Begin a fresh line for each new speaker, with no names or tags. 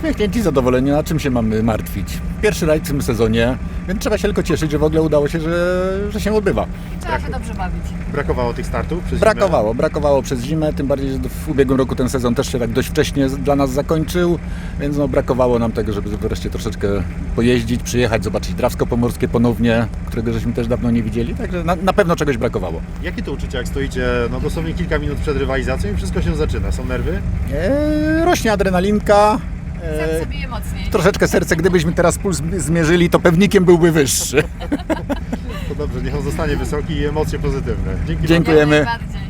Uśmiechnięci, zadowoleni, na czym się mamy martwić. Pierwszy rajd w tym sezonie, więc trzeba się tylko cieszyć, że w ogóle udało się, że się odbywa.
Trzeba się dobrze bawić.
Brakowało tych startów przez zimę?
Brakowało przez zimę, tym bardziej, że w ubiegłym roku ten sezon też się tak dość wcześnie dla nas zakończył, więc no brakowało nam tego, żeby wreszcie troszeczkę pojeździć, przyjechać, zobaczyć Drawsko Pomorskie ponownie, którego żeśmy też dawno nie widzieli, także na pewno czegoś brakowało.
Jakie to uczucie, jak stoicie dosłownie kilka minut przed rywalizacją i wszystko się zaczyna? Są nerwy?
Rośnie adrenalinka.
Serce bije mocniej.
Troszeczkę serce, gdybyśmy teraz puls zmierzyli, to pewnikiem byłby wyższy.
To dobrze, niech on zostanie wysoki i emocje pozytywne. Dzięki
Dziękujemy.
Jak najbardziej.